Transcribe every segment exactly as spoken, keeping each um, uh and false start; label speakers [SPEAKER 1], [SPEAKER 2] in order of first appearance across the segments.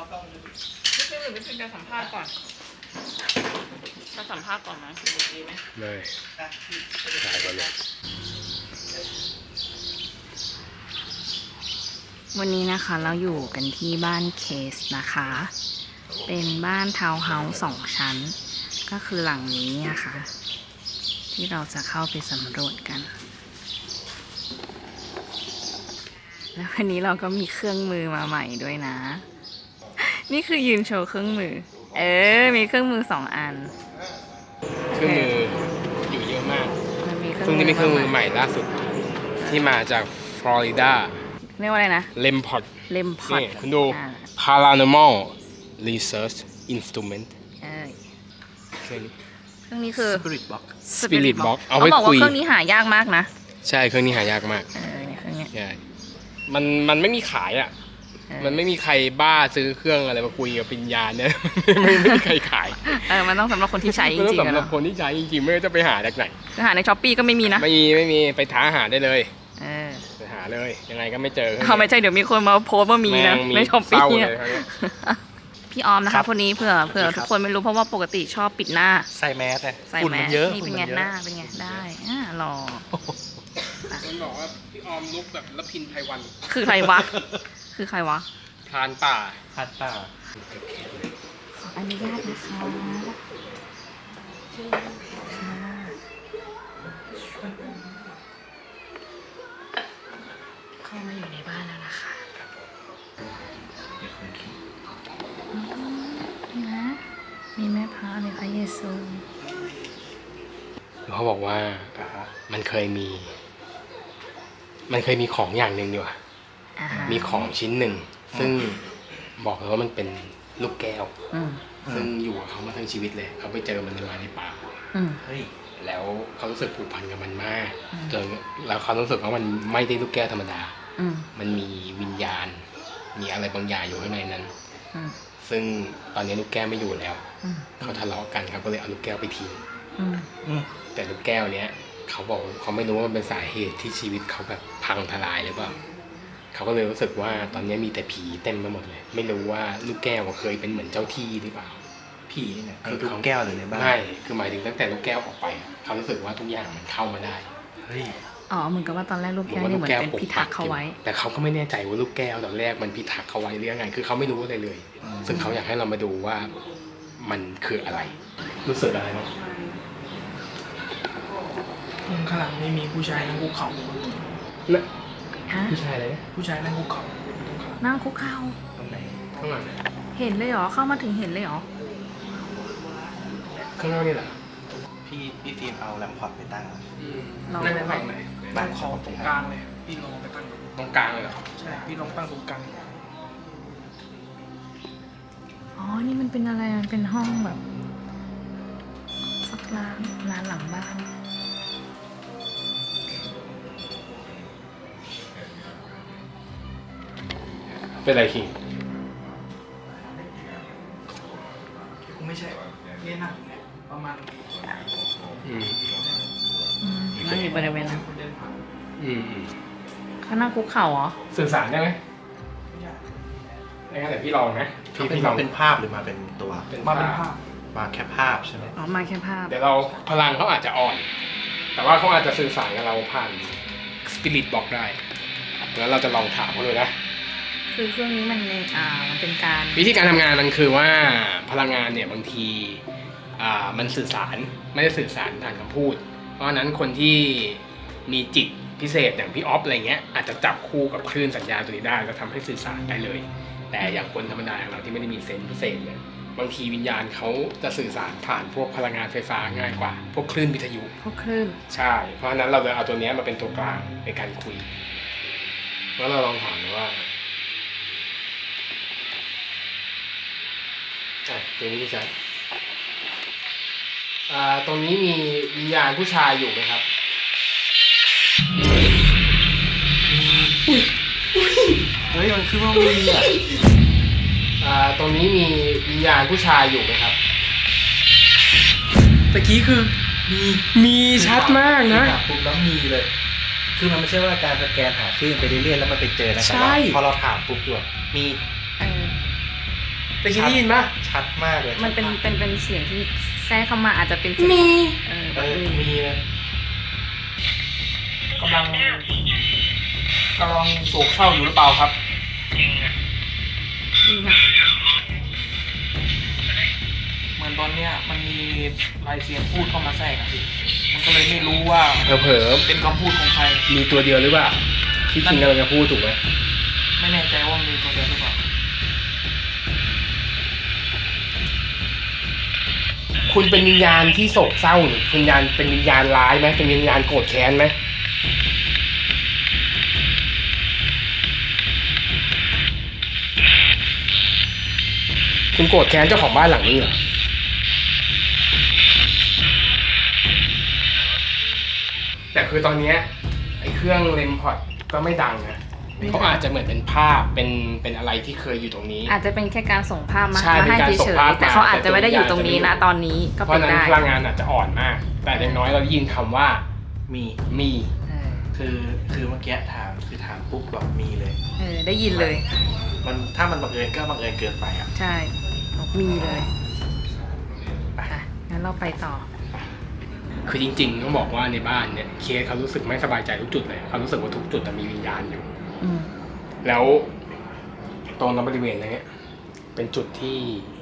[SPEAKER 1] พี่หรือพี่จะสัมภาษณ์ก่อนจะสัมภาษณ์ก่อนไหม
[SPEAKER 2] เลยถ่ายก่อนเลย
[SPEAKER 3] วันนี้นะคะเราอยู่กันที่บ้านเคสนะคะ เป็นบ้านทาวน์เฮาส์สองชั้น ก็คือหลังนี้นะคะที่เราจะเข้าไปสำรวจกัน แล้ววันนี้เราก็มีเครื่องมือมาใหม่ด้วยนะ นี่คือยืนโชว์เครื่องมือ เออ มีเครื่องมือสองอัน
[SPEAKER 2] เครื่องมืออยู่เยอะมาก
[SPEAKER 3] มันมีเครื่อง
[SPEAKER 2] ซึ่งนี่เป็นเครื่องมือใหม่ล่าสุดที่มาจากฟลอริดา
[SPEAKER 3] เรียกว่าอะไรนะ
[SPEAKER 2] เลมพอด
[SPEAKER 3] เลมพอด
[SPEAKER 2] นี่คุณดู Paranormal Research Instrument
[SPEAKER 3] เออ
[SPEAKER 2] เครื่องนี้
[SPEAKER 3] เครื่องนี้คือ
[SPEAKER 4] Spirit Box
[SPEAKER 2] Spirit Box เอา
[SPEAKER 3] เขา
[SPEAKER 2] ไว้
[SPEAKER 3] บอกว่า
[SPEAKER 2] คุย
[SPEAKER 3] เครื่องนี้หายากมากนะ
[SPEAKER 2] ใช่เครื่องนี้หายากมาก
[SPEAKER 3] เออเนี่ยเครื่องนี้
[SPEAKER 2] ใช่มันมันไม่มีขายอ่ะ
[SPEAKER 3] เออ
[SPEAKER 2] มันไม่มีใครบ้าซื้อเครื่องอะไรมาคุยกับปิญญาเนี่ย ไม่ไม่มีใครขาย
[SPEAKER 3] เออมันต้องสำหรับคนที่ใช้จ
[SPEAKER 2] มันต้อ
[SPEAKER 3] ริ
[SPEAKER 2] ง
[SPEAKER 3] งๆอะ
[SPEAKER 2] สำหรับ
[SPEAKER 3] เนาะ
[SPEAKER 2] คนที่ใช้จริงๆไม่ว่าจะไปหาจากไหน
[SPEAKER 3] คือหาในช้อปปี้ก็ไม่มีนะ
[SPEAKER 2] ไม่มีไม่มีไปท้าหาได้เลย
[SPEAKER 3] เออ
[SPEAKER 2] ไปหาเลยยังไงก็ไม่เจอ
[SPEAKER 3] เขาไม่ใช่เดี๋ยวมีคนมาโพสต์ว่ามีนะ
[SPEAKER 2] แม่งมี
[SPEAKER 3] ในช้อปปี้
[SPEAKER 2] เศร้า
[SPEAKER 3] เนี่ย
[SPEAKER 2] เลยคราวเนี้ย
[SPEAKER 3] พี่ออมนะคะคนนี้เผื่อเผื่อทุกคนไม่รู้เพราะว่าปกติชอบปิดหน้า
[SPEAKER 4] ใส่แมสเลย
[SPEAKER 3] ใส่
[SPEAKER 4] ฝุ่น
[SPEAKER 3] แม
[SPEAKER 4] มัน
[SPEAKER 3] ส
[SPEAKER 4] เยอะ
[SPEAKER 3] นี่เป็นไง
[SPEAKER 4] ฝุ่มัยอะ
[SPEAKER 3] หน้าเป็นไงได้อ่าหล่อ
[SPEAKER 2] มันบอกว่าพี่ออมลุกแบบละพินไพวัน
[SPEAKER 3] คือใครวะ คือใครวะ
[SPEAKER 2] พรานป่า
[SPEAKER 4] พัดป่า
[SPEAKER 3] ขออนุญาตนะคะค่ะเข้ามาอยู่ในบ้านแล้วนะคะนี่นะมีแม่พระมีพระเยซู
[SPEAKER 2] เขาบอกว่ามันเคยมี มันเคยมีของอย่างหนึ่งอยู่อะ
[SPEAKER 3] อ่าฮะ
[SPEAKER 2] มีของชิ้นหนึ่ง ซึ่งบอกเลยว่ามันเป็นลูกแก้ว
[SPEAKER 3] อืม
[SPEAKER 2] ซึ่งอยู่กับเขามาทั้งชีวิตเลย เขาไปเจอมันในในป่า
[SPEAKER 3] อืม
[SPEAKER 4] เฮ้ย
[SPEAKER 2] แล้วเขารู้สึกผูกพันกับมันมาก
[SPEAKER 3] อืม
[SPEAKER 2] จนแล้วเขารู้สึกว่ามันไม่ได้ลูกแก้วธรรมดา
[SPEAKER 3] อืม
[SPEAKER 2] มันมีวิญญาณ มีอะไรบางอย่างอยู่ข้างในนั้น
[SPEAKER 3] อืม
[SPEAKER 2] ซึ่งตอนนี้ลูกแก้วไม่อยู่แล้ว
[SPEAKER 3] อืม
[SPEAKER 2] เขาทะเลาะกันเขาก็เลยเอาลูกแก้วไปทิ้ง
[SPEAKER 3] อืม
[SPEAKER 4] อืม
[SPEAKER 2] แต่ลูกแก้วเนี้ยเขาบอกเขาไม่รู้ว่ามันเป็นสาเหตุที่ชีวิตเขาแบบพังทลายหรือเปล่าเขาก็เลยรู้สึกว่าตอนนี้มีแต่ผีเต็มไปหมดเลย ไม่รู้ว่าลูกแก้วเคยเป็นเหมือนเจ้าที่หรือเปล่า
[SPEAKER 4] ผีนี่เนี่ย
[SPEAKER 2] คือ
[SPEAKER 4] คือลูกแก้วเลยในบ้าน
[SPEAKER 2] ไม่คือหมายถึงตั้งแต่ลูกแก้วออกไปอะเขารู้สึกว่าทุกอย่างมันเข้ามาได้
[SPEAKER 4] เฮ้ย
[SPEAKER 3] อ๋อเหมือนกับว่าตอนแรกลูกแก้วนี่เหมือนเป็นพิทักษ์เขาไว้
[SPEAKER 2] แต่เขาก็ไม่แน่ใจว่าลูกแก้วตอนแรกมันพิทักษ์เขาไว้หรือยังไงคือเขาไม่รู้อะไรเลย ซึ่งเขาอยากให้เรามาดูว่ามันคืออะไร รู้สึกอะไรบ้าง
[SPEAKER 5] ข้างหลังไม่มีผู้ชายนั่งคุกเข่า
[SPEAKER 2] นะ
[SPEAKER 3] ฮะ
[SPEAKER 2] ผู้ชายอะไรนะ
[SPEAKER 5] ผู้ชายนั่งคุกเข่า
[SPEAKER 3] นั่งคุกเข่า
[SPEAKER 2] ตรงไหนข้างหลัง
[SPEAKER 3] เห็นเลยเหรอ เข้ามาถึงเห็นเลยเหรอ
[SPEAKER 2] ข้างนอกนี่เหรอ
[SPEAKER 4] พี่พี่ฟิล์มเอาแลมพอร์ตไปตั้ง
[SPEAKER 3] เรา
[SPEAKER 2] นั่งฝั่งไหน
[SPEAKER 5] ตั้งคอตรงกลางเลย พี่ลองไปตั้งดู
[SPEAKER 2] ตรงกลางเลยเหรอ
[SPEAKER 5] ใช่ พี่ลองตั้งตรงกลาง
[SPEAKER 3] อ๋อ นี่มันเป็นอะไร มันเป็นห้องแบบสักร้านร้านหลังบ้าน
[SPEAKER 2] เป็นไรคิง
[SPEAKER 5] คงไม่ใช่เนี่ยนั่งประมาณ
[SPEAKER 2] อืม
[SPEAKER 3] อืมนั่งอยู่บริเวณนั้น
[SPEAKER 5] คนเดินผ่าน
[SPEAKER 2] อืมอืม
[SPEAKER 3] เขานั่งคุกเข่าเหรอ
[SPEAKER 2] สื่อสารได้ไหมได้งั้นแต่พี่ลองนะพี่
[SPEAKER 4] เป็น
[SPEAKER 2] พี่ลอง
[SPEAKER 4] เป็นภาพหรือมาเป็นตัว
[SPEAKER 5] มาเป็นภาพ
[SPEAKER 4] มาแค่ภาพใช่ไหม
[SPEAKER 3] อ๋อ มาแค่ภาพ
[SPEAKER 2] เดี๋ยวเราพลังเขาอาจจะอ่อน แต่ว่าเขาอาจจะสื่อสารกับเราผ่านสปิริตบอกได้แล้วเราจะลองถามเขาเลยนะ
[SPEAKER 3] คือเครื่องนี้มันในอ่า มันเป็นการ
[SPEAKER 2] วิธีการทำงานมันคือว่าพลังงานเนี่ยบางทีอ่ามันสื่อสารไม่ได้สื่อสารผ่านคำพูด เพราะฉะนั้นคนที่มีจิตพิเศษอย่างพี่ออฟอะไรเงี้ยอาจจะจับคู่กับคลื่นสัญญาณตัวนี้ได้แล้วทำให้สื่อสารได้เลย แต่อย่างคนธรรมดาอย่างเราที่ไม่ได้มีเซนส์พิเศษเนี่ยบางทีวิญญาณเขาจะสื่อสารผ่านพวกพลังงานไฟฟ้าง่ายกว่า พวกคลื่นวิทยุ
[SPEAKER 3] พวกคลื่น
[SPEAKER 2] ใช่ เพราะฉะนั้นเราเลยเอาตัวเนี้ยมาเป็นตัวกลางในการคุยแล้วเราลองถามดูว่าอ่ะตรงนี้ใช่อ่าตรงนี้มีวิญญาณผู้ชายอยู่ไหมครับอุ้ย
[SPEAKER 4] เฮ้ยมันคือว่ามีอ่ะ
[SPEAKER 2] อ่าตรงนี้มีวิญญาณผู้ชายอยู่ไหมครับ
[SPEAKER 4] ตะกี้คือมี
[SPEAKER 2] มีชัดมากนะ
[SPEAKER 4] ปุ๊บแล้วมีเลย คือมันไม่ใช่ว่าการสแกนหาคลื่นไปเรื่อยๆแล้วมันไปเจอนะ
[SPEAKER 2] ใช่
[SPEAKER 4] แต่ว่าพอเราถามปุ๊บคือแบบมี
[SPEAKER 3] เออ
[SPEAKER 2] ตะกี้ได้ยินปะ
[SPEAKER 4] ชัดมากเลย
[SPEAKER 3] มันเป็นเป็นเป็นเสียงที่แทรกเข้ามาอาจจะเป็นมี เออแบ
[SPEAKER 4] เอบ อ
[SPEAKER 3] มี
[SPEAKER 4] มีเลย
[SPEAKER 5] กำลังกำลังโศกเศร้าอยู่หรือเปล่าครับ
[SPEAKER 3] ดีค่ะ
[SPEAKER 5] เหมือนตอนเนี้ยมันมีลายเสียงพูดเข้ามาแทรกอะพี่มันก็เลยไม่รู้ว่า
[SPEAKER 2] เผลอ
[SPEAKER 5] เป็นคำพูดของใคร
[SPEAKER 2] ๆมีตัวเดียวหรือเปล่าที่คิงกำลังจะพูดถูกไหม
[SPEAKER 5] ไม่แน่ใจว่ามีตัวเดียวหรือเปล่า
[SPEAKER 2] คุณเป็นวิญญาณที่โศกเศร้าหรือวิญญาณเป็นวิญญาณร้ายไหมเป็นวิญญาณโกรธแค้นไหมคุณโกรธแค้นเจ้าของบ้านหลังนี้เหรอแต่คือตอนเนี้ยไอ้เครื่องเลมพอดก็ไม่ดังนะเขาอาจจะเหมือนเป็นภาพเป็นเป็นอะไรที่เคยอยู่ตรงนี้
[SPEAKER 3] อาจจะเป็นแค่การส่งภาพมา
[SPEAKER 2] ใช่
[SPEAKER 3] มาให้
[SPEAKER 2] เป็นการส่
[SPEAKER 3] เฉ
[SPEAKER 2] ง
[SPEAKER 3] ย
[SPEAKER 2] ภาพ
[SPEAKER 3] ๆแต่เขาอาจจะไม่ได้อยู่ตรงนี้นะ
[SPEAKER 2] แต่ตัว
[SPEAKER 3] ตอนนี้ก็
[SPEAKER 2] เพ
[SPEAKER 3] เป็
[SPEAKER 2] ราะ
[SPEAKER 3] น
[SPEAKER 2] นั้น
[SPEAKER 3] ได้
[SPEAKER 2] พลังงานอาจจะอ่อนมาก แต่อย่างน้อยเราได้ยินคำว่า
[SPEAKER 4] มี
[SPEAKER 2] มี
[SPEAKER 3] เออ
[SPEAKER 4] คือคือเมื่อกี้ถามคือถามปุ๊บบอกมีเลย
[SPEAKER 3] เออได้ยินเลย
[SPEAKER 4] มันถ้ามันบังเอิญก็บังเอิญเกินไปอ่ะ
[SPEAKER 3] ใช่บอกมีเลยอ่ะงั้นเราไปต่อ
[SPEAKER 2] คือจริงๆต้องบอกว่าในบ้านเนี่ยเคสเขารู้สึกไม่สบายใจทุกจุดเลยเขารู้สึกว่าทุกจุดมีวิญญาณอยู่
[SPEAKER 3] อืม
[SPEAKER 2] แล้วตรงนั้นบริเวณนี้เป็นจุดที่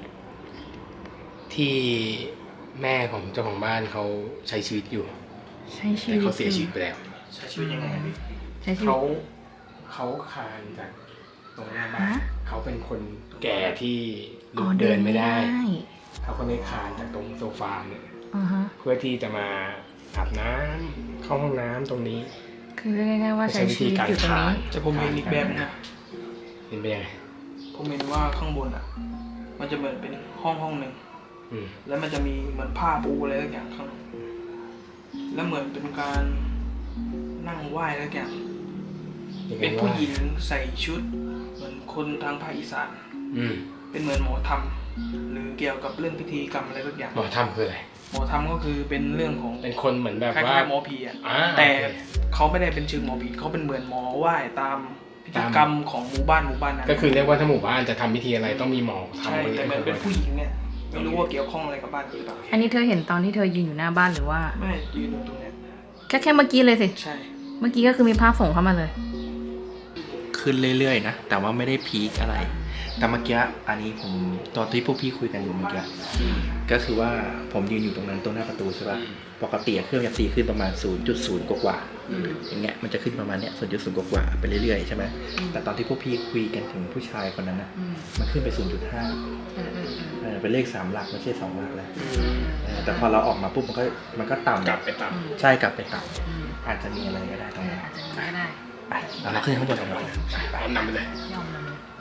[SPEAKER 2] ที่แม่ของเจ้าของบ้านเขาใช้ชีวิตอยู่
[SPEAKER 3] ใช้ชี
[SPEAKER 2] แต่
[SPEAKER 3] วิต
[SPEAKER 2] เขาเสียชีวิตไปแล้ว
[SPEAKER 4] ใช้ชีวิตยังไงอะพี่
[SPEAKER 3] ใช้ชีวิ
[SPEAKER 2] เขา
[SPEAKER 3] ต
[SPEAKER 2] เขาคลานจากตรงหน้าบ้าน
[SPEAKER 3] ฮะ
[SPEAKER 2] เขาเป็นคนแก่ที่
[SPEAKER 3] อ๋
[SPEAKER 2] ลุ
[SPEAKER 3] อก
[SPEAKER 2] เดินไม่ได้
[SPEAKER 3] ได้
[SPEAKER 2] เขาก็เลยคลานจากตรงโซฟาเนี่ย
[SPEAKER 3] อ่าฮะ
[SPEAKER 2] เพื่อที่จะมาอาบน้ำเข้าห้องน้ำตรงนี้
[SPEAKER 3] คือเรียกง่ายๆว่าใช้ชีวิตอยู่ตรงนี้
[SPEAKER 5] จะผมเห็นอีกแบบนึงนะ
[SPEAKER 2] เห็นไปยังไง
[SPEAKER 5] ผมเห็นว่าข้างบนอ่ะ มันจะเหมือนเป็นห้องห้องหนึ่ง
[SPEAKER 2] อืม
[SPEAKER 5] แล้วมันจะมีเหมือนผ้าปูอะไรสักอย่างข้างบนแล้วเหมือนเป็นการนั่งไหว้อะไรสักอย่าง
[SPEAKER 2] ยังไง
[SPEAKER 5] เป็นผู้
[SPEAKER 2] ว่า
[SPEAKER 5] หญิงใส่ชุด เหมือนคนทางภาคอีสาน
[SPEAKER 2] อืม
[SPEAKER 5] เป็นเหมือนหมอธรรมหรือเกี่ยวกับเรื่องพิธีกรรมอะไรสักอย่าง
[SPEAKER 2] หมอทำคืออะไร
[SPEAKER 5] หมอธรรมก็คือเป็นเรื่องของ
[SPEAKER 2] เป็นคนเหมือนแบบ
[SPEAKER 5] คล้
[SPEAKER 2] ว่า
[SPEAKER 5] ายๆหมอผีอ่ะ
[SPEAKER 2] อ่า
[SPEAKER 5] แต่
[SPEAKER 2] โอเค
[SPEAKER 5] เขาไม่ได้เป็นชื่อหมอผีเขาเป็นเหมือนหมอไหว้ตามพิธีกรรมของหมู่บ้านหมู่บ้านนั้น
[SPEAKER 2] ก็คือเรียกว่าถ้าหมู่บ้านจะทำพิธีอะไรต้องมีหมอทำ
[SPEAKER 5] ใช่แต่เหมือนเป็นผู้หญิงเนี่ยไม่รู้ว่าเกี่ยวข้องอะไรกับบ้านหรือเปล่า
[SPEAKER 3] อันนี้เธอเห็นตอนที่เธอยืนอยู่หน้าบ้านหรือว่า
[SPEAKER 5] ไม่ยืนอยู่ตรงเนี้ย
[SPEAKER 3] แค่แค่เมื่อกี้เลยสิ
[SPEAKER 5] ใช่
[SPEAKER 3] เมื่อกี้ก็คือมีภาพส่งเข้ามาเลย
[SPEAKER 4] ขึ้นเรื่อยๆนะ แต่ว่าไม่ได้พีคอะไร แต่เมื่อกี้อันนี้ผมตอนที่พวกพี่คุยกันอยู่เมื่อกี้ก็คือว่าผมยืนอยู่ตรงนั้นตรงหน้าประตูใช่ป่ะปกติเครื่องจะตีขึ้นประมาณ ศูนย์จุดศูนย์ กว่าๆอย่างเงี้ยมันจะขึ้นประมาณเนี้ย ศูนย์จุดศูนย์ กว่าๆไปเรื่อยๆใช่ไหมแต่ตอนที่พวกพี่คุยกันถึงผู้ชายคนนั้นนะมันขึ้นไป ศูนย์จุดห้า เออเป็นเลขสามหลักไม่ใช่สองหลักแล้วเออแต่พอเราออกมาปุ๊บมันก็มันก็ต่ำ
[SPEAKER 2] กลับไปตาม
[SPEAKER 4] ใช่กลับไปต่ำอาจจะมีอะไรก็ได้ตรงนั้น
[SPEAKER 3] อาจจะมีก็ได้
[SPEAKER 4] ไปเราขึ้นข้างบนกันก่อน
[SPEAKER 2] พร้อมนำไปเลย
[SPEAKER 3] ยอมเลย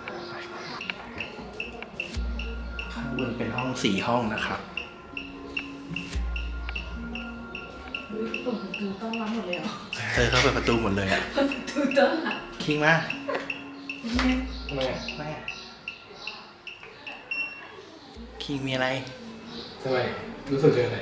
[SPEAKER 4] ข้างบนเป็นห้องสี่ห้องนะครับ
[SPEAKER 3] เปิดประตูต้อนรับหมดเลยเหรอ
[SPEAKER 4] เธอเข้าเปิดประตูหมดเลยอ่ะ
[SPEAKER 3] เปิดประตูต้อนรับ
[SPEAKER 4] คิงมา
[SPEAKER 2] ทำไมอ่ะ
[SPEAKER 4] แม่คิงมีอะไร
[SPEAKER 2] ทำไมรู้สึกเจออะไร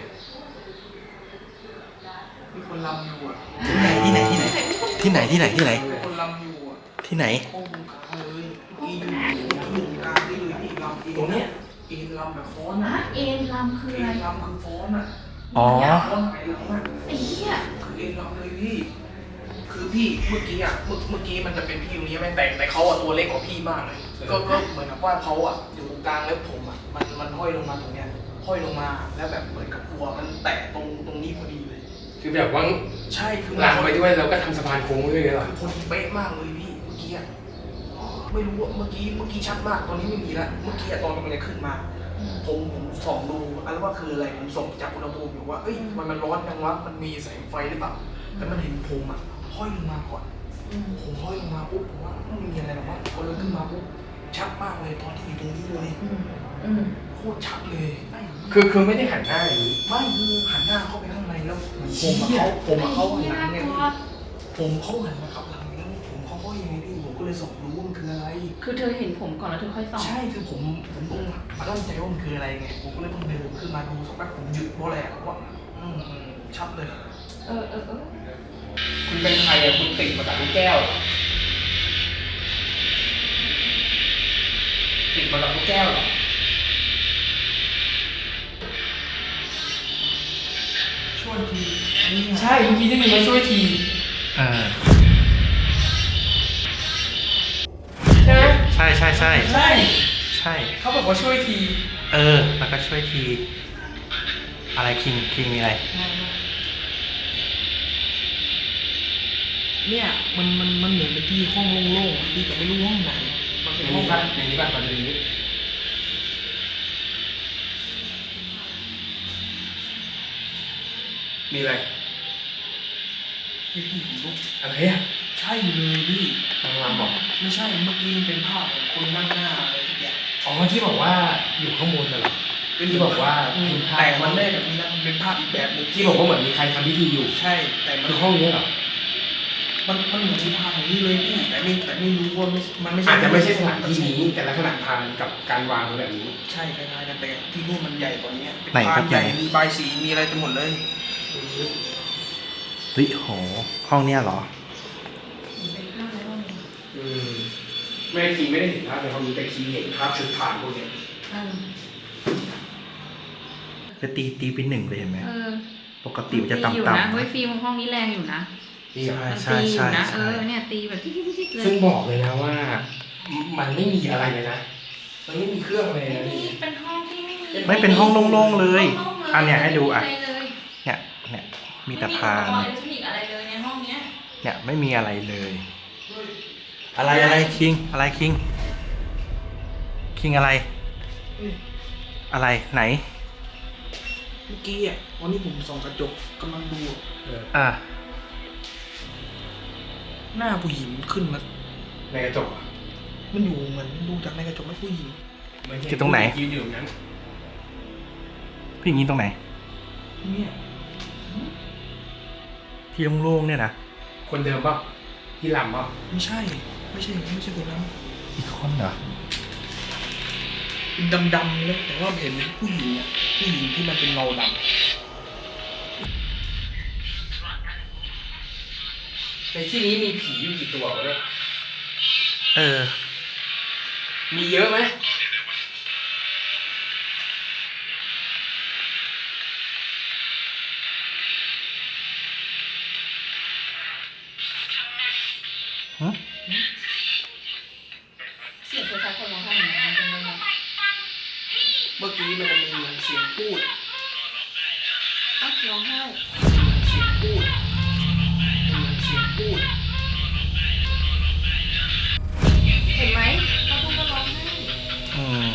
[SPEAKER 5] มีคนรำอยู่อ่ะ
[SPEAKER 4] ที่ไหนที่ไหนที่ไหนที่ไหนที่ไหน
[SPEAKER 5] มีคนรำอยู่อ่ะ
[SPEAKER 4] ที่ไหน
[SPEAKER 5] โค้งกลางเลยอีอยู่อีอยู่กลางนี่เลยอีรำเอง
[SPEAKER 2] ตรงเนี้ย
[SPEAKER 5] เอ็นรำแบบฟ้อน
[SPEAKER 3] นะ
[SPEAKER 5] อ่ะ
[SPEAKER 3] เอ็นลำคือ
[SPEAKER 5] เอ็
[SPEAKER 3] อะไร
[SPEAKER 5] นรำคือฟ้อนอ่ะ
[SPEAKER 4] อ๋อ
[SPEAKER 5] ฟ้อนไหนหลังอ่ะ
[SPEAKER 3] ไอ้เหี้ย
[SPEAKER 5] คือเอ็นรำเลยพี่ คือพี่เมื่อกี้อ่ะเมื่อเมื่อกี้มันจะเป็นพี่ตรงนี้ไม่แต่งแต่เขาอ่ะตัวเล็กกว่าพี่มากเลย ก็ก็เหมือนกับว่าเขาอ่ะอยู่ตรงกลางแล้วผมอ่ะมันมันห้อยลงมาตรงเนี้ยห้อยลงมาแล้วแบบเหมือนกับหัวมันแตะตรงตรงนี้พอดีเลย
[SPEAKER 2] คือแบบว่า
[SPEAKER 5] ใช่คือ
[SPEAKER 2] ลามไปด้วยแล้วก็ทำสะพานโค้งด้วยไงเหรอ
[SPEAKER 5] พอดีเป๊ะมากเลยพี่เมื่อกี้อ่ะไม่รู้ว่าเมื่อกี้เมื่อกี้ชัดมากตอนนี้ไม่มีแล้วเมื่อกี้อะตอนมันจะขึ้นมา ผมผมส่องดูอะไรว่าคืออะไรผมส่องจากอุณหภูมิอยู่ว่าเอ้ยมันมันร้อนจังวะมันมีแสงไฟหรือเปล่าแต่มันเห็นผมอ่ะห้อยลงมาก่อนผมห้อยลงมาปุ๊บผมว่าไม่มีอะไรหรอกวะพอเลยขึ้นมาปุ๊บชัดมากเลยตอนที่อยู่ตรงนี้เลย
[SPEAKER 3] อืมอืม
[SPEAKER 5] โคตรชัดเลยไม่
[SPEAKER 2] คือคือไม่ได้หันหน้าอย่างนี้
[SPEAKER 5] ไม่คือหันหน้าเข้าไปข้างในแล้วผมอะเขาผมอะเขาหันหลังไงพี่ผมเขาหันมาขับหลังแล้วผมเขาห้อยยังไงพี่ผมก็เลยส่องดูว่ามันคืออะไร
[SPEAKER 3] คือเธอเห็นผมก่อนแล้วเธอค่อยส่อง
[SPEAKER 5] ใช่คือผมผมต้องตั้งใจว่ามันคืออะไรไงผมก็เลยต้องเดินขึ้นมาดูสักแป๊บผมหยุดเพราะอะไรอะว่าอืมอืมชัดเลย
[SPEAKER 3] เออเออเออ
[SPEAKER 2] คุณเป็นใครอ่ะคุณติดมาจากลูกแก้วเหรอติดมาจากลูกแก้วเหรอ
[SPEAKER 5] ใวยทีนี่ไง
[SPEAKER 2] ใช่เมื่อกี้ได้ยินมาช่วยที
[SPEAKER 4] เออ
[SPEAKER 2] ใช่ไหม
[SPEAKER 4] ใช่ใช่ใช่
[SPEAKER 2] ใช่
[SPEAKER 4] ใช่
[SPEAKER 2] เขาบอกว่าช่วยที
[SPEAKER 4] เออ แล้วก็ช่วยที อะไรคิงคิงมีอะไร
[SPEAKER 5] เนี่ยมันมันมันเหมือนเป็นที่ห้องโล่งๆที่แต่ไม่รู้ห้องไหนมัน
[SPEAKER 2] ใน
[SPEAKER 5] เป็นห้อ
[SPEAKER 2] นี้
[SPEAKER 5] ง
[SPEAKER 2] ป่ะในนี้ป่ะมาดูในนี้มีอะไร
[SPEAKER 5] ที่พี่ผมลุก
[SPEAKER 2] อะไรอ่ะ
[SPEAKER 5] ใช่เลยพี่
[SPEAKER 2] ทางรามบอก
[SPEAKER 5] ไม่ใช่เมื่อกี้มันเป็นภาพของคนนั่งหน้าอะไรทุกอย่าง
[SPEAKER 2] อ๋อที่บอกว่าอยู่ข้างบนน่ะเหรอที่บอกว่า
[SPEAKER 5] อืม
[SPEAKER 2] เป็นภาพ
[SPEAKER 5] แต่มันไม่ได้แบบนี้นะมันเป็นภาพอีกแบบหนึง
[SPEAKER 2] ที่บอกว่าเหมือนมีใครทำพิธีอยู่
[SPEAKER 5] ใช่แต่มัน
[SPEAKER 2] คือห้องนี้เหรอ
[SPEAKER 5] มันมันเหมือนมีภาพอย่างนี้เลยพี่แต่ไม่แต่ไม่รู้ว่าไม่มันไม่ใช่
[SPEAKER 2] อาจจะไม่ใช่สถานที่นี้แต่ลักษณะพานกับการวางเป็นแบบนี้
[SPEAKER 5] ใช่คล้ายๆกันแต่ที่นู่นมันใหญ่กว่านี้เป็น
[SPEAKER 4] ไหนครับ
[SPEAKER 5] พานใหญ่
[SPEAKER 4] ใหญ่
[SPEAKER 5] มีใบายสีมีอะไรเต็มหมดเลย
[SPEAKER 4] เฮ้ยโห ห้องเนี้ยเหรอ
[SPEAKER 2] อืมไม่คีไม่ได้เห็นภาพในห้องนี้แต่คีเห็นภาพชุดผ่านพวกเนี้ย
[SPEAKER 4] จะตีตีเป็นหนึ่งเลยเห็นไหม
[SPEAKER 3] เออ
[SPEAKER 4] ปกติมันจะ
[SPEAKER 3] ตีอยู่
[SPEAKER 4] ต่ำ
[SPEAKER 3] นะ
[SPEAKER 4] ๆ
[SPEAKER 3] เฮ้ย
[SPEAKER 4] นะ
[SPEAKER 3] ฟิล์มห้องนี้แรงอยู่นะ
[SPEAKER 4] ใช่
[SPEAKER 3] มัน
[SPEAKER 4] ใช่
[SPEAKER 3] ตีอยู่
[SPEAKER 4] ใช่
[SPEAKER 3] นะ เอ
[SPEAKER 4] ใช่
[SPEAKER 3] อเนี่ยตีแบบจิ๊กๆๆเลย
[SPEAKER 2] ซึ่งบอกเลยนะว่า มันไม่มีอะไรเลยนะมันไม่มีเครื่องอะไรเลยนะ
[SPEAKER 3] นี่เป็นห้องที่ไม่มี
[SPEAKER 4] ไม่เป็นห้องโล่งๆเลย
[SPEAKER 3] โล่งๆเลย
[SPEAKER 4] อันเนี้ยให้ดูอ่ะ
[SPEAKER 3] ไม่มีอะไรเลย
[SPEAKER 4] เนี่ยเนี่ยมีแต่พาน
[SPEAKER 3] ไม่มีอุปกรณ์อิเล็กทรอนิกส์อะไรเลยในห้องเนี้ย
[SPEAKER 4] เนี่ยไม่มีอะไรเลย อะไรอะไรคิงอะไรคิงคิงอะไร อะไรไหน
[SPEAKER 5] เมื่อกี้อ่ะวันนี้ผมส่องกระจกกำลังดูอะ
[SPEAKER 2] เออ
[SPEAKER 4] อ่ะ
[SPEAKER 5] หน้าผู้หญิงขึ้นมา
[SPEAKER 2] ในกระจกอะ
[SPEAKER 5] มันอยู่เหมือนดูจากในกระจกไม่ผู้หญิง
[SPEAKER 2] เหมือนเห็
[SPEAKER 4] คือตรงไหน
[SPEAKER 2] ยืนอยู่ตรงนั้น
[SPEAKER 4] พี่ยิงตรงไหน
[SPEAKER 5] เนี่ย
[SPEAKER 4] ที่โล่งๆเนี่ยนะ
[SPEAKER 2] คนเดิมเปล่าที่ลำเปล่า
[SPEAKER 5] ไม่ใช่ไม่ใช่ไม่ใช่คนนั้น
[SPEAKER 4] อีกคนเหรอ
[SPEAKER 5] เป็นดำๆเลยแต่ว่าเห็นผู้หญิงอ่ะผู้หญิงที่มันเป็นเงาดำ
[SPEAKER 2] ในที่นี้มีผีอยู่กี่ตัววะเนี่ย
[SPEAKER 4] เออ
[SPEAKER 2] มีเยอะไหม
[SPEAKER 4] ฮะ
[SPEAKER 3] เสียงคล้ายๆคนร้องไห้เหมือนกันเป็นยังไง
[SPEAKER 5] เมื่อกี้มันจะมีเสียงพูด
[SPEAKER 3] อ้าวร้องไห้
[SPEAKER 5] เสียงพูดเสียงพูด
[SPEAKER 3] เห็นไหมเขาพูดว่าร้องไห้
[SPEAKER 4] อืม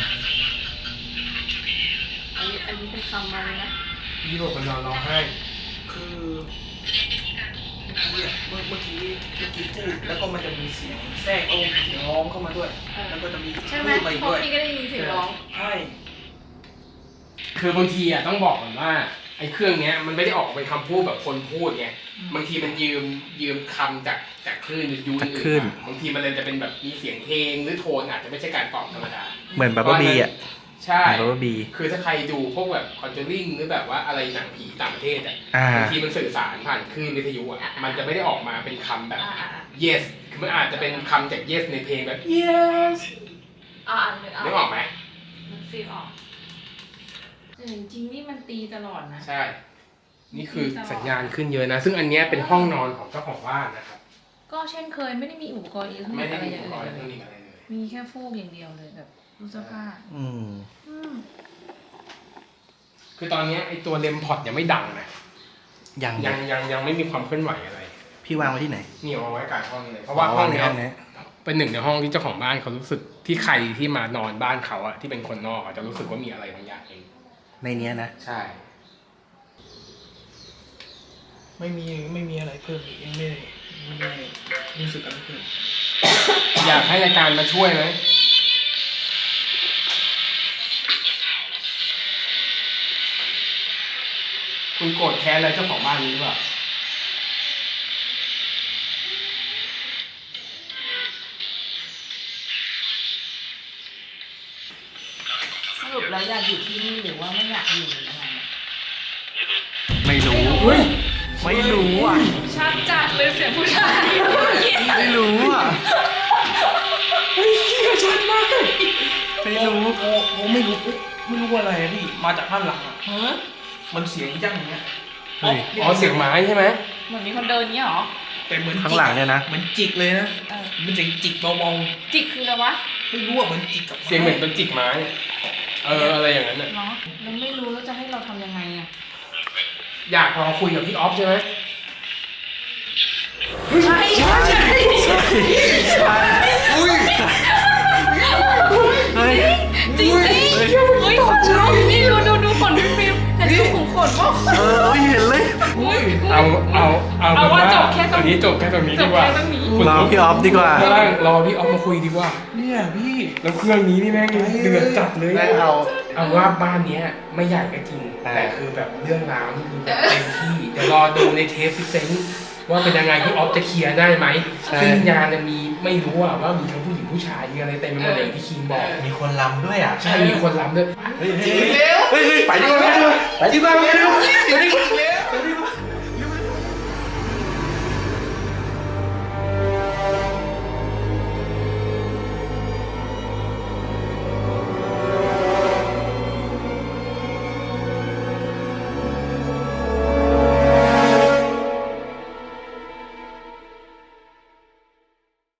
[SPEAKER 3] อันนี้อันนี้เป็นคำมาเลยนะ
[SPEAKER 2] พี่บอกคนนอนร้องไห้
[SPEAKER 5] คือเมื่อกี้อะเมื่อเมื่อกี้เมื่อกี้พูดแล้วก็มันจะมีเสียงแทรกเอาเสียงร้องเข้ามาด้วย
[SPEAKER 3] เออ
[SPEAKER 5] แล้วก็จะมี
[SPEAKER 3] ใช่ไหม
[SPEAKER 5] พูดไป
[SPEAKER 3] เพราะ
[SPEAKER 5] ด้วย
[SPEAKER 3] พี่ก็ได้ยินเสียงร้อง
[SPEAKER 5] ใช่
[SPEAKER 2] คือบางทีอ่ะต้องบอกก่อนว่าไอ้เครื่องเนี้ยมันไม่ได้ออกเป็นคำพูดแบบคนพูดไงบางทีมันยืมยืมคำจากจากคลื่นวิทยุ
[SPEAKER 4] จากคลื่น
[SPEAKER 2] อื่นมาบางทีมันเลยจะเป็นแบบมีเสียงเพลงหรือโทนอาจจะไม่ใช่การตอบธรรมดา
[SPEAKER 4] เหมือนบับเบิ้ลบีอ่ะ
[SPEAKER 2] ใช่
[SPEAKER 4] เหมือนบับเบิ้ลบี
[SPEAKER 2] คือถ้าใครดูพวกแบบคอนเจอริงหรือแบบว่าอะไรหนังผีต่างประเทศอ่ะ
[SPEAKER 4] อ่า
[SPEAKER 2] บางทีมันสื่อสารผ่านคลื่นวิทยุอ่ะมันจะไม่ได้ออกมาเป็นคำแบบ
[SPEAKER 3] อ่าอ่าอ่า
[SPEAKER 2] yes คือมันอาจจะเป็นคำจาก yes ในเพลงแบบ yes
[SPEAKER 3] อ่าอันนึง
[SPEAKER 2] นึกออกไหม
[SPEAKER 3] มันฟีลออกแต่จริงๆนี่มันตีตลอดนะ
[SPEAKER 2] ใช่ นี่คือสัญญาณขึ้นเยอะนะ ซึ่งอันเนี้ยเป็นห้องนอนของเจ้าของบ้านนะครับ
[SPEAKER 3] ก็เช่นเคยไม่ได้มีอุปกรณ์อิเล็กทรอนิ
[SPEAKER 2] ไม่
[SPEAKER 3] กส์
[SPEAKER 2] ได้
[SPEAKER 3] อะไร
[SPEAKER 2] มี
[SPEAKER 3] อ
[SPEAKER 2] อุ
[SPEAKER 3] ย่าง
[SPEAKER 2] ปก
[SPEAKER 3] อื่
[SPEAKER 2] รณ์
[SPEAKER 3] น
[SPEAKER 2] เทค
[SPEAKER 3] เล
[SPEAKER 2] นิ
[SPEAKER 3] ย
[SPEAKER 2] คอะไรเลย
[SPEAKER 3] มีแค่ฟูกอย่างเดียวเลยแบบตู้เสื้อผ้า
[SPEAKER 4] อืม
[SPEAKER 3] อืม
[SPEAKER 2] คือตอนเนี้ยไอตัวเลมพอดยังไม่ดังนะ
[SPEAKER 4] ยัง
[SPEAKER 2] ยังยังยังไม่มีความเคลื่อนไหวอะไร
[SPEAKER 4] พี่วางไว้ที่ไหน
[SPEAKER 2] นี่เอาไว้กลางห้องเลย เพราะว่าห้องเนี้ย
[SPEAKER 4] ห้องเนี้ย
[SPEAKER 2] เป็นหนึ่งในห้องที่เจ้าของบ้านเขารู้สึกที่ใครที่มานอนบ้านเขาอะที่เป็นคนนอกอะจะรู้สึกว่ามีอะไรบางอย่างเอง
[SPEAKER 4] ในเนี้ยนะ
[SPEAKER 2] ใช่
[SPEAKER 5] ไม่มีไม่มีอะไรเพิ่มอีกยังไม่ได้ไม่ได้รู้สึกอะไรเพิ่ม
[SPEAKER 2] อยากให้รายการมาช่วยไหมคุณโกรธแค้นอะไรเจ้าของบ้านนี้หรือเปล่า
[SPEAKER 3] สรุปแล้วอยากอยู่ที่นี่หรือว่าไม่อยากอยู่หรือยังไง
[SPEAKER 4] ไม่รู้
[SPEAKER 2] เฮ้ย
[SPEAKER 4] ไม่รู้อ่ะ
[SPEAKER 3] ชัดจัดเลยเสียงผู้ชาย
[SPEAKER 4] ไม่รู้อ่ะ
[SPEAKER 2] เฮ้ยขี้กระชันมาก
[SPEAKER 4] ไม่รู้
[SPEAKER 5] โอ้โหไม่รู้ไม่รู้ว่าอะไรอะพี่มาจากด้านหลังอ่ะ
[SPEAKER 3] ฮะ
[SPEAKER 5] มันเสียงยั่งอย่างเงี้ย
[SPEAKER 4] เฮ้ย
[SPEAKER 2] อ๋อเสียงไม้ใช่ไหม
[SPEAKER 1] เหมือนมีคนเดินเนี้ยเหรอ
[SPEAKER 5] แต่เหมือน
[SPEAKER 4] ข้างหลังเนี่ยนะ
[SPEAKER 5] เหมือนจิกเลยนะ
[SPEAKER 1] เออ
[SPEAKER 5] มันเสียงจิกเบา
[SPEAKER 1] จิกคืออะไรวะ
[SPEAKER 5] ๆไม่รู้ว่าเหมือนจิกกับ
[SPEAKER 2] เสียงเหมือนเป็นจิกไม้ เอออะไรอย่างนั้นน่ะ
[SPEAKER 1] เนาะแล้วไม่รู้แล้วจะให้เราทำยังไงอ่ะ
[SPEAKER 2] อยากลองคุยกับพี่ออฟใช่ไหม
[SPEAKER 1] ใช่ใช่ใช่
[SPEAKER 5] อุ้ย
[SPEAKER 4] เฮ้ย
[SPEAKER 1] จริงจริงเฮ้ยขนลุกนี่ดูดูดูขนพี่ฟิล์มเห็นดูขุมขนป่ะ
[SPEAKER 4] เออเห็นเลย
[SPEAKER 1] อุ้ย
[SPEAKER 2] เอาเอาเอา
[SPEAKER 1] เอาว่า
[SPEAKER 2] เป็น
[SPEAKER 1] จบแค่ตรง
[SPEAKER 2] นี้จบแค่ตรงนี้
[SPEAKER 1] จ
[SPEAKER 2] ดี
[SPEAKER 1] บ
[SPEAKER 2] กว่า
[SPEAKER 1] แค่ตรงนี้
[SPEAKER 4] รอพี่ออฟดีกว่า
[SPEAKER 2] ข้างล่างรอพี่ออฟมาคุยดีกว่า
[SPEAKER 5] เนี่ยพี่
[SPEAKER 2] แล้วเครื่องนี้นี่แม่งเดือดจัดเลย
[SPEAKER 4] แม่งเอา
[SPEAKER 2] เอาว่าบ้านเนี้ยไม่ใหญ่ก็จริง
[SPEAKER 4] อ่า
[SPEAKER 2] แต่คือแบบเรื่องราวนี่คือแบบเต็มที่เดี๋ยวรอดูในเทปซิเซนว่าเป็นยังไงพี่ออฟจะเคลียร์ได้ไหมซึ่งยานเนี่ยมีไม่รู้อะว่ามีทั้งผู้หญิงผู้ชายมีอะไรเต็มไปหมดเลยที่คิงบอก
[SPEAKER 4] มีคนรำด้วยอ่ะ
[SPEAKER 2] ใช่มีคนรำด้วย
[SPEAKER 4] เฮ้ยเฮ้ยเฮ้ยไปดีกว่าไปดีกว่าไปดีกว่า